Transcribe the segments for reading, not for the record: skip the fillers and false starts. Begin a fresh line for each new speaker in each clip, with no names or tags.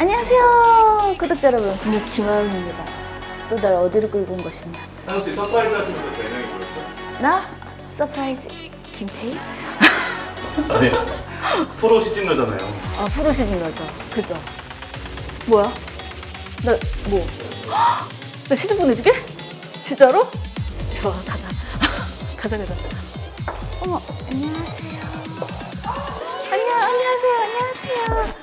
안녕하세요 구독자 여러분, 김하은입니다. 또 날 어디로 끌고 온 것이냐.
혹시 서프라이즈 하시면서 배경이 뭐였죠?
나? 서프라이즈 김태희?
아니 프로 시집녀잖아요.
아 프로 시즌러죠. 그죠? 뭐야? 나 뭐? 나 시집 보내주게? 진짜로? 좋아 가자. 가자. 어머 안녕하세요. 안녕하세요.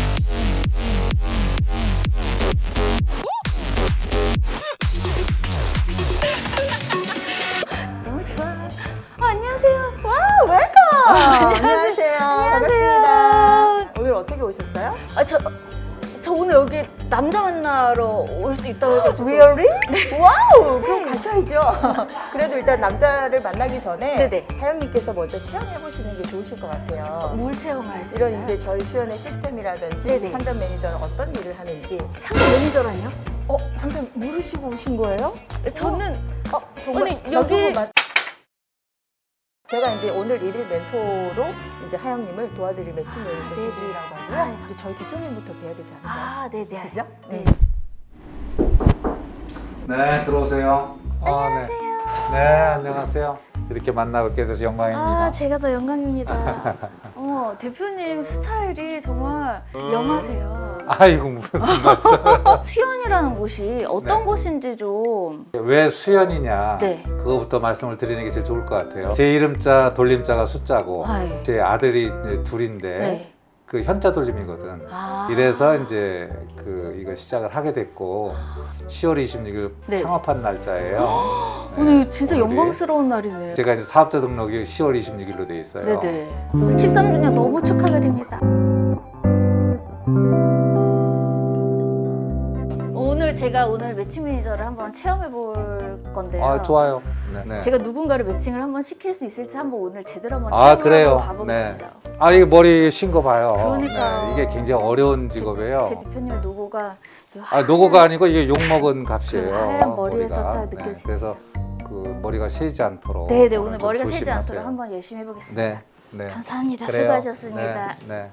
너무 좋아. 안녕하세요.
와우, 웰컴! 안녕하세요.
안녕하세요.
반갑습니다. 오늘 어떻게 오셨어요?
저 오늘 여기 남자 만나러 올 수 있다고 해가지고.
Really? 와우! 그럼 가셔야죠. 그래도 일단 남자를 만나기 전에
네네.
하영님께서 먼저 체험해보시는 게 좋으실 것 같아요.
뭘 체험할 수
이런
있나요?
이제 저희 수연의 시스템이라든지
네네.
상담 매니저는 어떤 일을 하는지
상담 매니저라니요?
상담 모르시고 오신 거예요?
저는
정말
아니,
나
여기-
저거 제가 이제 오늘 일일 멘토로 이제 하영님을 도와드릴 매칭 매니저
네네.
조지라고 하고요.
아,
이제 저희 대표님부터 뵈야 되지 않을까요?
아 네네.
그죠?
네.
네, 들어오세요.
안녕하세요.
네, 안녕하세요. 이렇게 만나뵙게 돼서 영광입니다.
아 제가 더 영광입니다. 어머 대표님 스타일이 정말 영하세요.
아이고 무슨 말씀?
수연이라는 곳이 어떤
네.
곳인지 좀.
왜 수연이냐?
네.
그거부터 말씀을 드리는 게 제일 좋을 것 같아요. 제 이름자 돌림자가 숫자고
아이.
제 아들이 이제 둘인데
네.
그 현자 돌림이거든.
아.
이래서 이제 이거 시작을 하게 됐고 10월 26일
네.
창업한 날짜예요.
오늘 진짜
오늘이.
영광스러운 날이네.
제가 이제 사업자 등록이 10월 26일로 돼 있어요.
네네. 13주년 너무 축하드립니다. 제가 오늘 매칭 매니저를 한번 체험해 볼 건데요.
아, 좋아요. 네.
제가 누군가를 매칭을 한번 시킬 수 있을지 한번 오늘 제대로 한번
아,
체험을
그래요?
한번 가보겠습니다.
아, 이게 머리 쉰 거 봐요.
그러니까요.
네, 이게 굉장히 어려운
제
직업이에요.
대표님의 노고가
아, 노고가 아니고 이게 욕먹은 값이에요.
그 하얀 머리에서
머리가.
딱 느껴지는.
그래서 그 머리가 새지 않도록.
네네, 오늘
좀
머리가 새지
조심하세요.
않도록 한번 열심히 해보겠습니다.
네. 네.
감사합니다.
그래요.
수고하셨습니다.
네.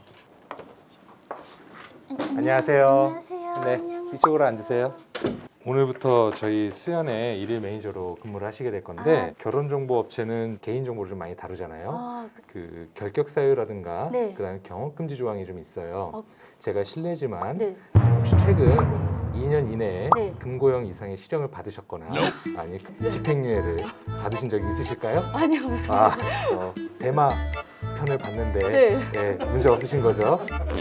안녕하세요.
안녕하세요.
네,
안녕.
이쪽으로 앉으세요. 오늘부터 저희 수연의 일일 매니저로 근무를 하시게 될 건데 결혼정보업체는 개인정보를 좀 많이 다루잖아요.
아,
그 결격 사유라든가
네.
그다음에 경험금지 조항이 좀 있어요.
어.
제가 실례지만
네.
혹시 최근
네.
2년 이내에
네.
금고형 이상의 실형을 받으셨거나 아니 집행유예를 받으신 적이 있으실까요?
아니요, 없습니다.
아, 대마 편을 봤는데
네.
예, 문제 없으신 거죠?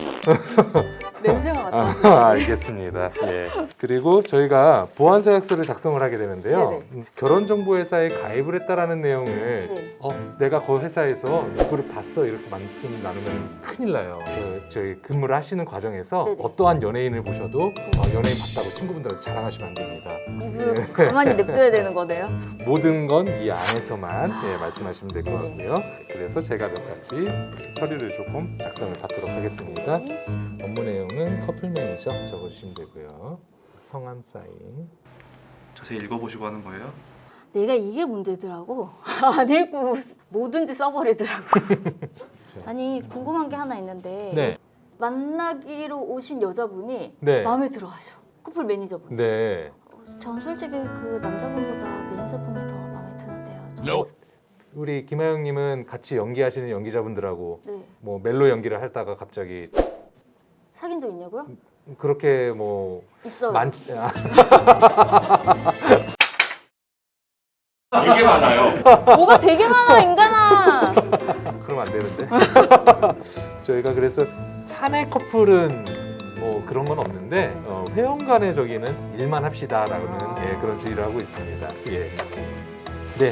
냄새가 맡아서.
알겠습니다. 예. 그리고 저희가 보안서약서를 작성을 하게 되는데요. 결혼정보회사에 가입을 했다라는 내용을
네.
내가 그 회사에서 누구를 봤어 이렇게 말씀 나누면 큰일 나요. 저희 근무를 하시는 과정에서
네네.
어떠한 연예인을 보셔도 연예인 봤다고 친구분들한테 자랑하시면 안 됩니다.
입을 가만히 냅둬야 되는 거네요.
모든 건 이 안에서만 말씀하시면 될 것
네네.
같고요. 그래서 제가 몇 가지 서류를 조금 작성을 받도록 하겠습니다.
네.
업무 내용은 커플 매니저 적어주시면 되고요. 성함 사인.
자세히 읽어보시고 하는 거예요?
내가 이게 문제더라고. 안 읽고 뭐든지 써버리더라고. 아니 궁금한 게 하나 있는데
네.
만나기로 오신 여자분이
네.
마음에 들어하셔. 커플 매니저분.
네.
전 솔직히 그 남자분보다 매니저분이 더 마음에 드는데요.
우리 김하영님은 같이 연기하시는 연기자분들하고
네.
뭐 멜로 연기를 하다가 갑자기
사귄 적 있냐고요?
그렇게 뭐
있어요.
되게 많아요.
뭐가 되게 많아 인간아.
그러면 안 되는데. 저희가 그래서 사내 커플은 뭐 그런 건 없는데 회원 간의 저기는 일만 합시다라는 예, 그런 주의를 하고 있습니다. 예. 네.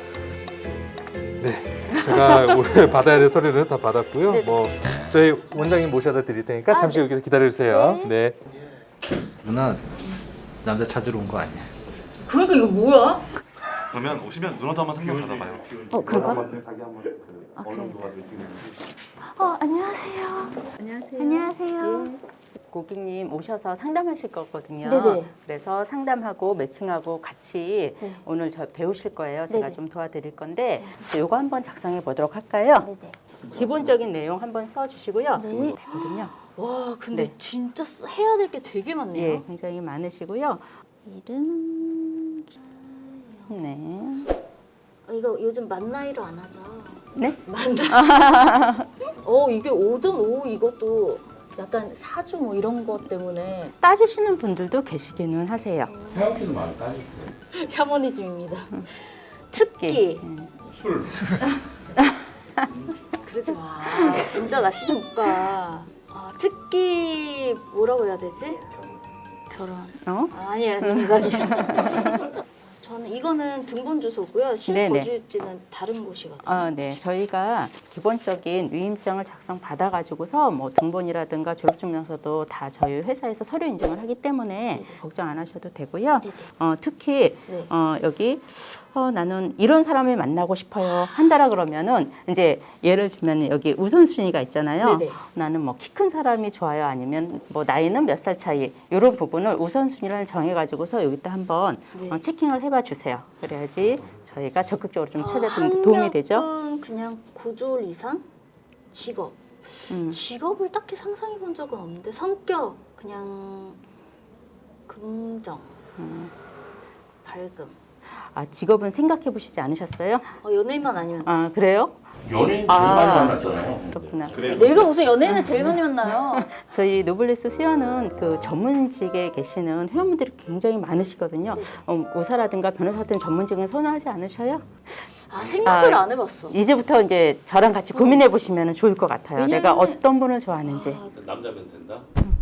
네. 제가 오늘 받아야 될 서류는 다 받았고요.
네.
뭐 저희 원장님 모셔다 드릴 테니까 잠시 여기서 기다려주세요. 네.
누나 남자 찾으러 온 거 아니야?
그러니까 이거 뭐야?
그러면 오시면 누나도 한번 상담 받아봐요.
그럴까?
아,
그래. 안녕하세요.
안녕하세요.
안녕하세요.
고객님 오셔서 상담하실 거거든요.
네네.
그래서 상담하고 매칭하고 같이
네.
오늘 저 배우실 거예요. 제가
네네.
좀 도와드릴 건데 그래서 요거 한번 작성해 보도록 할까요?
네네.
기본적인 내용 한번 써주시고요.
네.
되거든요.
와, 근데
네.
진짜 해야 될 게 되게 많네요.
예, 굉장히 많으시고요.
이름
네.
이거 요즘 만 나이로 안 하죠?
네?
만 나이. 이게 오전 오후 이것도 약간 사주 뭐 이런 것 때문에
따지시는 분들도 계시기는 하세요.
태양씨도 많이 따지고
샤머니즘입니다. 특기.
술
그러지 마. 진짜 나 시중 못 가. 특기 뭐라고 해야 되지? 결혼. 아니에요. 저는 이거는 등본 주소고요.
네네.
실거주지는 다른 곳이거든요.
네. 저희가 기본적인 위임장을 작성 받아가지고서 뭐 등본이라든가 졸업증명서도 다 저희 회사에서 서류 인증을 하기 때문에 걱정 안 하셔도 되고요. 특히
네.
여기 나는 이런 사람을 만나고 싶어요 한다라 그러면은 이제 예를 들면 여기 우선순위가 있잖아요.
네네.
나는 뭐 키 큰 사람이 좋아요 아니면 뭐 나이는 몇 살 차이 이런 부분을 우선순위를 정해가지고서 여기다 한번
네.
체킹을 해봐 주세요. 그래야지 저희가 적극적으로 좀 찾아드는 데 도움이 되죠.
학력은 그냥 고졸 이상? 직업. 직업을 딱히 상상해 본 적은 없는데 성격 그냥 긍정, 밝음.
직업은 생각해 보시지 않으셨어요?
연예인만 아니면
그래요?
연예인 제일 많이 만났잖아요.
그렇구나.
내가 무슨 연예인을 제일 많이 만나요?
저희 노블레스 수연은 그 전문직에 계시는 회원분들이 굉장히 많으시거든요. 의사라든가 변호사 같은 전문직은 선호하지 않으셔요?
생각을 안 해봤어.
이제부터 이제 저랑 같이 고민해 보시면 좋을 것 같아요.
왜냐면-
내가 어떤 분을 좋아하는지.
남자면 된다?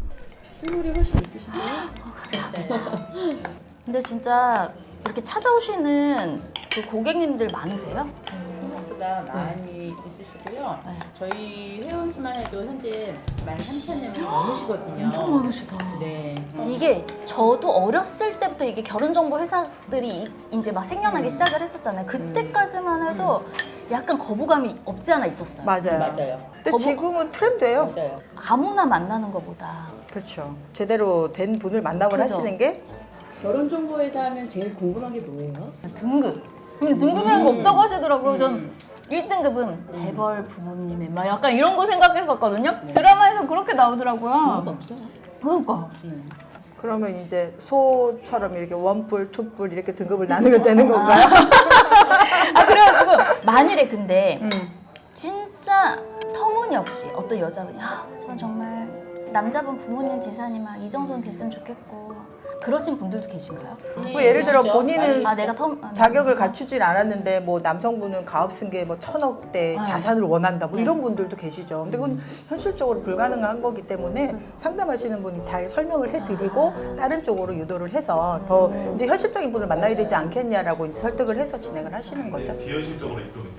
근데 진짜 이렇게 찾아오시는 그 고객님들 많으세요?
생각보다 많이 있으시고요. 저희 회원수만 해도 현재 13,000명이 넘으시거든요.
엄청 많으시다.
네.
이게 저도 어렸을 때부터 이게 결혼정보 회사들이 이제 막 생겨나기 시작을 했었잖아요. 그때까지만 해도 약간 거부감이 없지 않아 있었어요.
맞아요.
맞아요.
근데 지금은 트렌드예요.
맞아요.
아무나 만나는 것보다.
그렇죠. 제대로 된 분을 만나고
그죠.
하시는 게
결혼정보회사 하면 제일 궁금한 게 뭐예요?
등급. 근데 등급이라는 게 없다고 하시더라고요. 전 1등급은 재벌 부모님의 막 약간 이런 거 생각했었거든요. 드라마에서 그렇게 나오더라고요.
없어요.
그러니까.
그러면 이제 소처럼 이렇게 원뿔, 투뿔 이렇게 등급을 나누면 되는 건가요?
그래가지고 만일에 근데 진짜 터무니없이 어떤 여자분이 전 정말 남자분 부모님 재산이 막 이 정도는 됐으면 좋겠고 그러신 분들도 계신가요?
뭐 예를 들어 본인은
내가
자격을 갖추질 않았는데 뭐 남성분은 가업 승계 뭐 1,000억대 자산을 원한다 뭐 이런 분들도 계시죠. 근데 그건 현실적으로 불가능한 거기 때문에 상담하시는 분이 잘 설명을 해드리고 다른 쪽으로 유도를 해서 더 이제 현실적인 분을 만나야 되지 않겠냐라고 이제 설득을 해서 진행을 하시는 거죠.
비현실적으로 있거든요.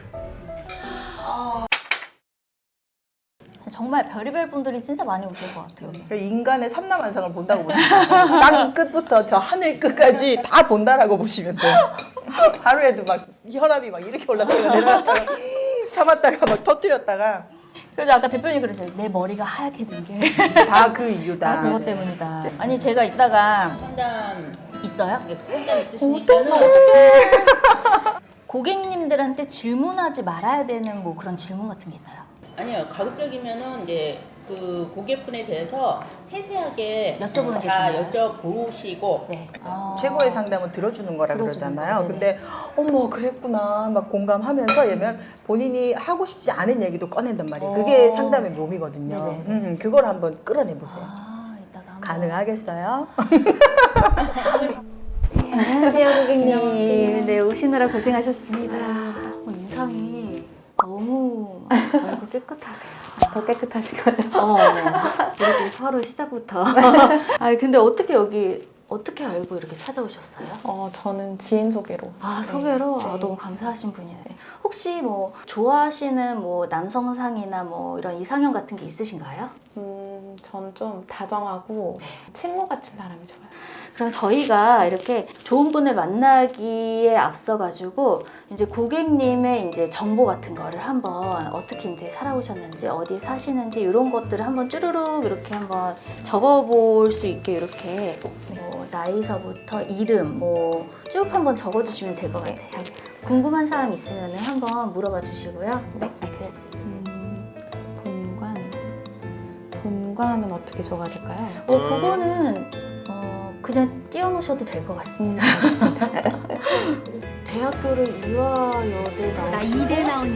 정말 별의별 분들이 진짜 많이 오실 것 같아요.
그러니까 인간의 삼라만상을 본다고 보시면 돼요. 땅 끝부터 저 하늘 끝까지 다 본다라고 보시면 돼요. 하루에도 막 혈압이 막 이렇게 올랐다가 내려갔다가 참았다가 막 터뜨렸다가
그래서 아까 대표님 그러셨어요. 내 머리가 하얗게 된 게
다 그 이유다.
그것 때문이다. 아니 제가 이따가
상담,
있어요?
상담 있으시니까는
고객님들한테 질문하지 말아야 되는 뭐 그런 질문 같은 게 있나요?
아니요. 가급적이면은 이제 그 고객분에 대해서 세세하게
여쭤보는 게
다
좋나요?
여쭤보시고
네.
최고의 상담은 들어주는 거라
들어주는
그러잖아요.
거,
근데 어머 그랬구나 막 공감하면서 얘면 본인이 하고 싶지 않은 얘기도 꺼낸단 말이에요. 그게 상담의 묘미거든요.
네네.
그걸 한번 끌어내 보세요.
이따가 한번.
가능하겠어요?
안녕하세요 고객님. 네 오시느라 고생하셨습니다. 인상이 너무 얼굴 깨끗하세요.
더 깨끗하시고요.
이렇게 서로 시작부터. 근데 어떻게 여기 어떻게 알고 이렇게 찾아오셨어요?
저는 지인 소개로.
소개로?
네.
너무 감사하신 분이네. 혹시 뭐 좋아하시는 뭐 남성상이나 뭐 이런 이상형 같은 게 있으신가요?
전 좀 다정하고 친구 같은 사람이 좋아요.
그럼 저희가 이렇게 좋은 분을 만나기에 앞서가지고 이제 고객님의 이제 정보 같은 거를 한번 어떻게 이제 살아오셨는지 어디에 사시는지 이런 것들을 한번 쭈루룩 이렇게 한번 적어볼 수 있게 이렇게 뭐 나이서부터 이름 뭐 쭉 한번 적어주시면 될 것 같아요.
알겠습니다.
궁금한 사항 있으면 한번 물어봐 주시고요.
네, 알겠습니다. 공간은 어떻게 줘가 될까요?
그거는 그냥 띄워놓으셔도 될 것 같습니다.
알겠습니다.
대학교를 이화여대 나오시고
나 이대 나온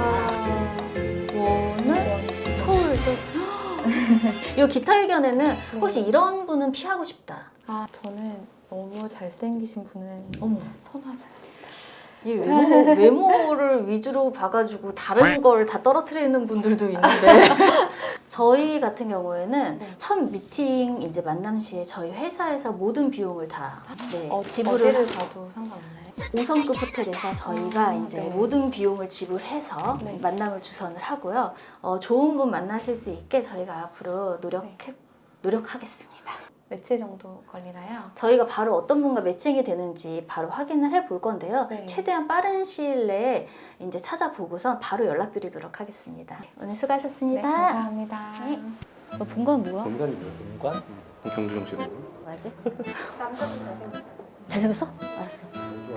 대학원을 서울대. 이 기타 의견에는 혹시 이런 분은 피하고 싶다.
아, 저는 너무 잘생기신 분은
어머.
선호하지 않습니다.
이 외모를 위주로 봐가지고 다른 걸 다 떨어뜨리는 분들도 있는데 저희 같은 경우에는 첫 미팅 이제 만남 시에 저희 회사에서 모든 비용을 다 지불을
어디를 가도 상관없나요?
5성급 호텔에서 저희가 이제
네.
모든 비용을 지불해서
네.
만남을 주선을 하고요. 좋은 분 만나실 수 있게 저희가 앞으로 노력하겠습니다.
며칠 정도 걸리나요?
저희가 바로 어떤 분과 매칭이 되는지 바로 확인을 해볼 건데요.
네.
최대한 빠른 시일 내에 이제 찾아보고서 바로 연락드리도록 하겠습니다. 오늘 수고하셨습니다.
네, 감사합니다.
네. 본관 뭐야?
공간이 공간? 경주정 씨.
뭐지? 잘생겼어? 알았어.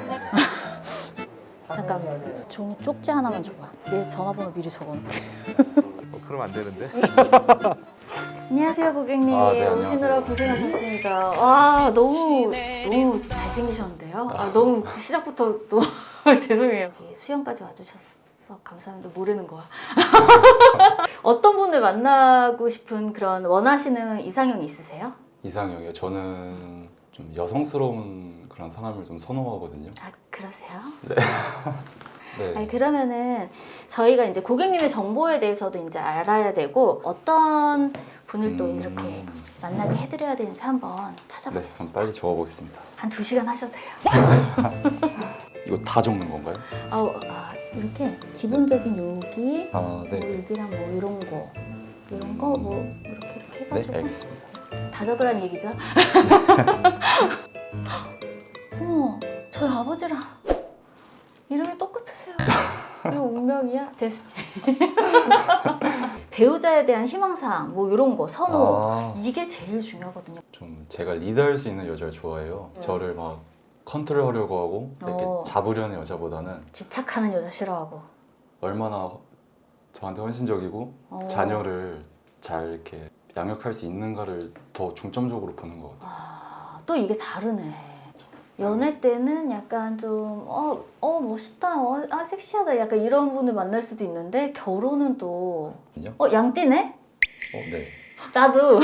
잠깐 종이 쪽지 하나만 줘봐. 내 전화번호 미리 적어놓게.
그러면 안 되는데.
안녕하세요 고객님.
네,
오시느라
안녕하세요.
고생하셨습니다. 와 너무 잘생기셨는데요. 너무 시작부터 너무 죄송해요. 여기 수영까지 와주셔서 감사합니다. 모르는 거야. 어떤 분을 만나고 싶은 그런 원하시는 이상형이 있으세요?
이상형이요? 저는 좀 여성스러운 그런 사람을 좀 선호하거든요.
아 그러세요?
네.
아니, 그러면은 저희가 이제 고객님의 정보에 대해서도 이제 알아야 되고 어떤 분을 또 이렇게 만나게 해드려야 되는지 한번
네,
찾아보겠습니다.
그럼 빨리 적어보겠습니다.
한 2시간 하셔도 돼요.
이거 다 적는 건가요?
이렇게 기본적인 요기,
아, 네.
뭐 여기랑 뭐 이런 거 뭐 이렇게
네,
해가지고
알겠습니다.
다 적으란 얘기죠. 어머, 저희 아버지랑 이름이 똑같으세요. 이거 운명이야? 됐지. 배우자에 대한 희망사항, 뭐 이런 거, 선호 이게 제일 중요하거든요.
좀 제가 리드할 수 있는 여자를 좋아해요. 저를 막 컨트롤하려고 하고 이렇게 잡으려는 여자보다는
집착하는 여자 싫어하고.
얼마나 저한테 헌신적이고 자녀를 잘 이렇게 양육할 수 있는가를 더 중점적으로 보는 것 같아요.
또 이게 다르네. 연애 때는 약간 좀 멋있다, 섹시하다 약간 이런 분을 만날 수도 있는데 결혼은 또 양띠네?
네.
나도.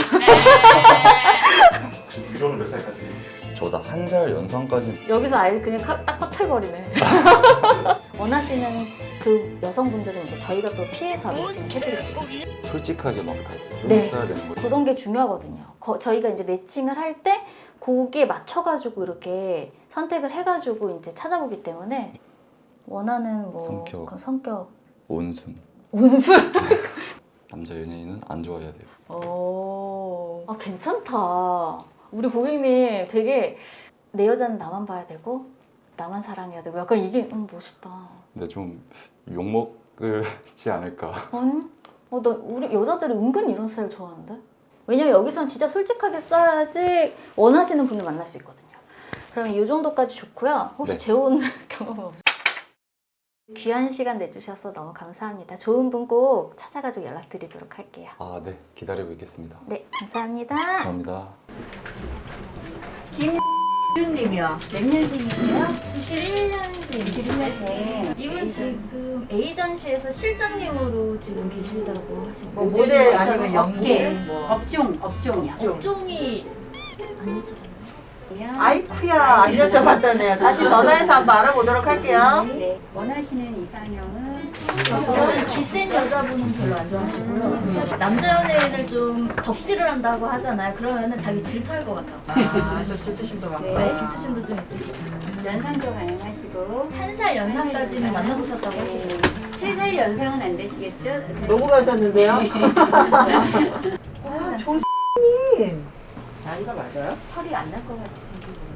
위로는 몇 살까지?
저보다 한 살 연상까지.
여기서 아예 그냥 딱 커트해버리네. 원하시는 그 여성분들은 이제 저희가 또 피해서 매칭해드릴게요.
솔직하게 막 다
네.
써야 되는 거예요.
그런 게 중요하거든요. 저희가 이제 매칭을 할 때 거기에 맞춰가지고 이렇게 선택을 해가지고 이제 찾아보기 때문에 원하는 뭐
성격.
그 성격
온순.
온순.
남자 연예인은 안 좋아해야 돼요.
괜찮다. 우리 고객님 되게 내 여자는 나만 봐야 되고 나만 사랑해야 되고 약간 이게 멋있다.
근데 좀 욕먹을지 않을까.
아니? 우리 여자들이 은근 이런 스타일 좋아하는데? 왜냐면 여기선 진짜 솔직하게 써야지 원하시는 분을 만날 수 있거든요. 그러면 이 정도까지 좋고요. 혹시
네.
재혼 경험 없으세요? 귀한 시간 내주셔서 너무 감사합니다. 좋은 분 꼭 찾아가지고 연락드리도록 할게요.
네. 기다리고 있겠습니다.
네, 감사합니다.
감사합니다.
김준님이요.
몇 년생이세요? 91년생. 이분 지금 에이전시에서 실장님으로 지금 계시다고 하시고.
뭐 모델 아니면 연기?
업종이야.
업종이 아니죠.
아이쿠야, 안 여쭤봤다네요. 다시 전화해서 한번 알아보도록 할게요.
네. 원하시는 이상형은 저는 기센 여자분은 별로 안 좋아하시고요. 남자 연예인을 좀 덕질을 한다고 하잖아요. 그러면은 자기 질투할 것 같아요.
저 질투심도 많고.
네, 질투심도 좀 있으시고. 연상도 가능하시고 1살 연상까지는 만나보셨다고 하시고 7살 연상은 안 되시겠죠?
너무 가셨는데요? 조님 나이가 맞아요?
털이 안 날 것 같아서.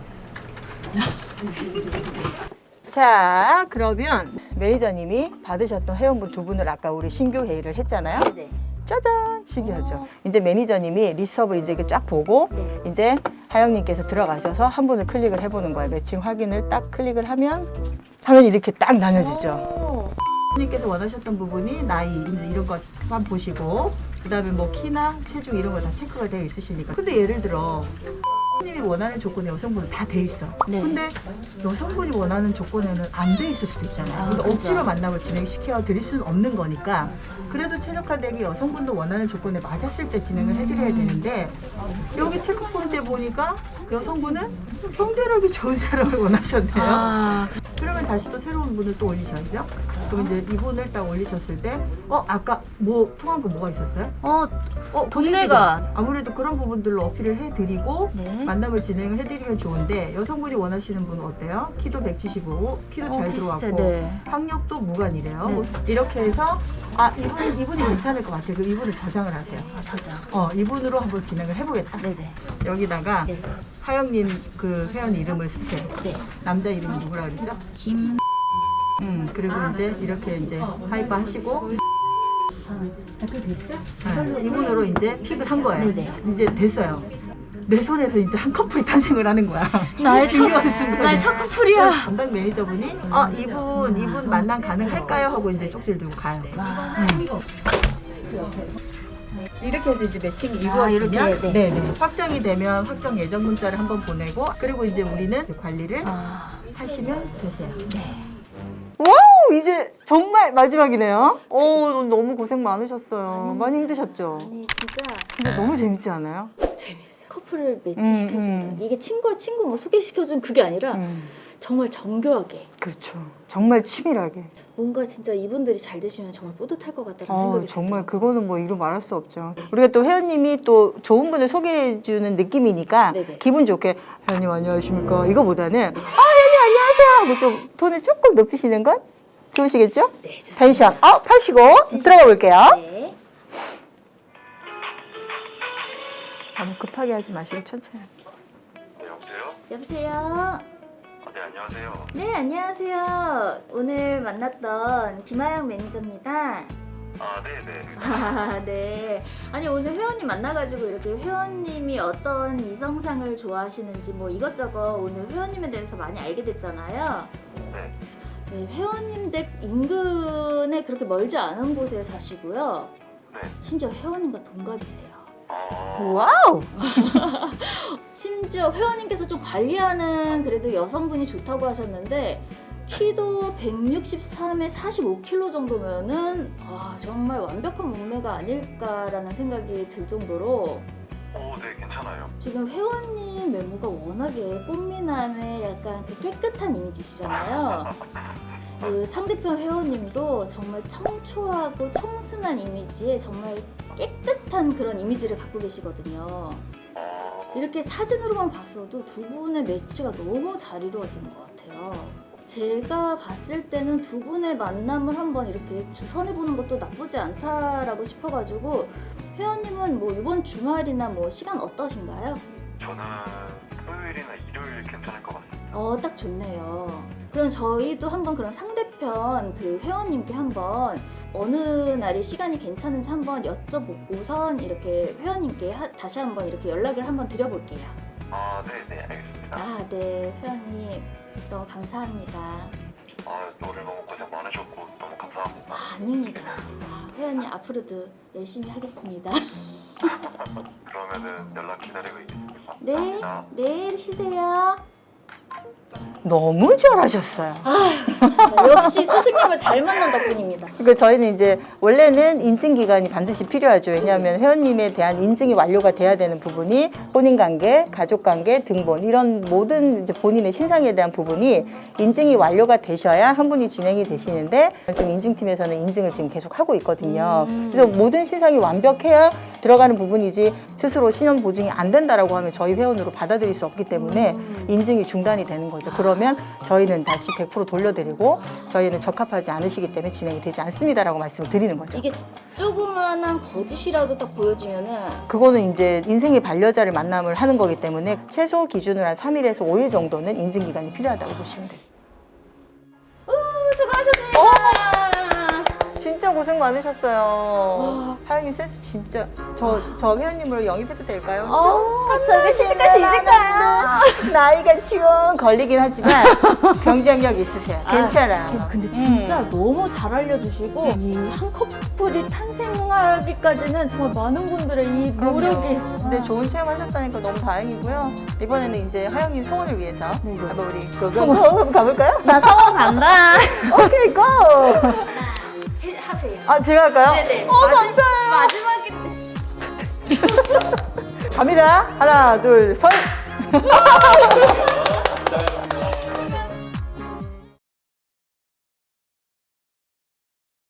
자, 그러면 매니저님이 받으셨던 회원분 두 분을 아까 우리 신규 회의를 했잖아요.
네.
짜잔! 신기하죠? 이제 매니저님이 리스트업을 이제 이렇게 쫙 보고 이제 하영님께서 들어가셔서 한 분을 클릭을 해보는 거예요. 매칭 확인을 딱 클릭을 하면 이렇게 딱 나눠지죠. 님께서 원하셨던 부분이 나이 이런 것만 보시고 그다음에 뭐 키나 체중 이런 거 다 체크가 되어 있으시니까. 근데 예를 들어 님이 원하는 조건에 여성분은 다 돼 있어.
네.
근데 여성분이 원하는 조건에는 안 돼 있을 수도 있잖아요. 그러니까
그죠.
억지로 만남을 진행시켜 드릴 수는 없는 거니까. 그래도 최적화되게 여성분도 원하는 조건에 맞았을 때 진행을 해드려야 되는데 여기 체크 포인트에 보니까 여성분은 좀 경제력이 좋은 사람을 원하셨네요.
아,
그러면 다시 또 새로운 분을 또 올리셔야죠. 그럼 이제 이분을 딱 올리셨을 때, 아까 뭐 통한 거 뭐가 있었어요?
동네가.
아무래도 그런 부분들로 어필을 해드리고
네.
만남을 진행을 해드리면 좋은데 여성분이 원하시는 분은 어때요? 키도 175, 키도 잘
비슷해.
들어왔고
네.
학력도 무관이래요.
네.
이렇게 해서 이분이 괜찮을 것 같아요. 그럼 이분을 저장을 하세요.
저장.
이분으로 한번 진행을 해보겠다.
네네.
여기다가
네.
하영님 그 회원 이름을 쓰세요.
네.
남자 이름이 누구라 그랬죠?
김.
그리고 이제 이렇게 이제 하이브 하시고 이분으로 이제 픽을 한 거예요.
네네.
이제 됐어요. 내 손에서 이제 한 커플이 탄생을 하는 거야.
나의
중요한 순간.
나의 첫 커플이야.
전담 매니저분이 이분 만남 가능할까요? 하고 이제 쪽지를 들고 가요. 이렇게 해서 이제 매칭이 이루어지면
이렇게,
네. 확정이 되면 확정 예정 문자를 한번 보내고 그리고 이제 우리는 관리를 하시면 되세요.
네.
와우, 이제 정말 마지막이네요. 너무 고생 많으셨어요. 많이 힘드셨죠?
아니 진짜
근데 너무 재밌지 않아요?
재밌어. 커플을 매치시켜주는 이게 친구와 친구 뭐 소개시켜주는 그게 아니라 정말 정교하게.
그렇죠. 정말 치밀하게.
뭔가 진짜 이분들이 잘 되시면 정말 뿌듯할 것 같다는 생각이
정말
들어요.
그거는 뭐 이루 말할 수 없죠. 우리가 또 회원님이 또 좋은 분을 소개해주는 느낌이니까
네네.
기분 좋게 회원님 안녕하십니까 이거보다는 회원님 안녕하세요 하고 좀 톤을 조금 높이시는 건 좋으시겠죠?
네, 좋습니다.
텐션 하시고 들어가 볼게요.
네.
너무 급하게 하지 마시고 천천히.
여보세요?
여보세요.
네, 안녕하세요.
네, 안녕하세요. 오늘 만났던 김하영 매니저입니다.
네네.
네. 아니 오늘 회원님 만나가지고 이렇게 회원님이 어떤 이성상을 좋아하시는지 뭐 이것저것 오늘 회원님에 대해서 많이 알게 됐잖아요.
네.
네, 회원님 댁 인근에 그렇게 멀지 않은 곳에 사시고요.
네.
심지어 회원님과 동갑이세요.
와우.
심지어 회원님께서 좀 관리하는 그래도 여성분이 좋다고 하셨는데 키도 163에 45kg 정도면은 정말 완벽한 몸매가 아닐까라는 생각이 들 정도로
네, 괜찮아요.
지금 회원님 외모가 워낙에 꽃미남의 약간 그 깨끗한 이미지시잖아요. 그 상대편 회원님도 정말 청초하고 청순한 이미지에 정말 깨끗한 그런 이미지를 갖고 계시거든요. 이렇게 사진으로만 봤어도 두 분의 매치가 너무 잘 이루어지는 것 같아요. 제가 봤을 때는 두 분의 만남을 한번 이렇게 주선해보는 것도 나쁘지 않다라고 싶어가지고 회원님은 뭐 이번 주말이나 뭐 시간 어떠신가요?
저는 토요일이나 일요일 괜찮을 것 같습니다.
딱 좋네요. 그럼 저희도 한번 그런 상대편 그 회원님께 한번 어느 날이 시간이 괜찮은지 한번 여쭤보고선 이렇게 회원님께 다시 한번 이렇게 연락을 한번 드려볼게요.
네네, 알겠습니다.
네, 회원님 너무 감사합니다.
오늘 너무 고생 많으셨고 너무 감사합니다.
아닙니다. 회원님 앞으로도 열심히 하겠습니다.
그러면은 연락 기다리고 있겠습니다.
네,
감사합니다.
내일 쉬세요.
너무 잘하셨어요.
역시 스승님을 잘 만난 덕분입니다.
그러니까 저희는 이제 원래는 인증 기간이 반드시 필요하죠. 왜냐하면 회원님에 대한 인증이 완료가 돼야 되는 부분이 혼인관계, 가족관계, 등본 이런 모든 이제 본인의 신상에 대한 부분이 인증이 완료가 되셔야 한 분이 진행이 되시는데 지금 인증팀에서는 인증을 지금 계속 하고 있거든요. 그래서 모든 신상이 완벽해야 들어가는 부분이지 스스로 신원 보증이 안 된다라고 하면 저희 회원으로 받아들일 수 없기 때문에 인증이 중단이 되는 거죠. 그러면 저희는 다시 100% 돌려드리고 저희는 적합하지 않으시기 때문에 진행이 되지 않습니다라고 말씀을 드리는 거죠.
이게 조그만한 거짓이라도 딱 보여지면은
그거는 이제 인생의 반려자를 만남을 하는 거기 때문에 최소 기준으로 한 3일에서 5일 정도는 인증 기간이 필요하다고 보시면 되세요.
수고하셨습니다.
진짜 고생 많으셨어요. 하영님 센스 진짜. 저 회원님으로 영입해도 될까요?
저기 시집갈 수 있을까요?
나이가 좀 걸리긴 하지만 경쟁력 있으세요. 괜찮아요.
근데 진짜 너무 잘 알려주시고 이 한 커플이 탄생하기까지는 정말 많은 분들의 이 노력이.
근데 좋은 체험하셨다니까 너무 다행이고요. 이번에는 이제 하영님 소원을 위해서 한번 우리 한번 가볼까요?
나 성원 간다.
오케이 고!
하세요.
아 제가 할까요?
네네.
감사해요.
마지막에
갑니다. 하나 둘 셋.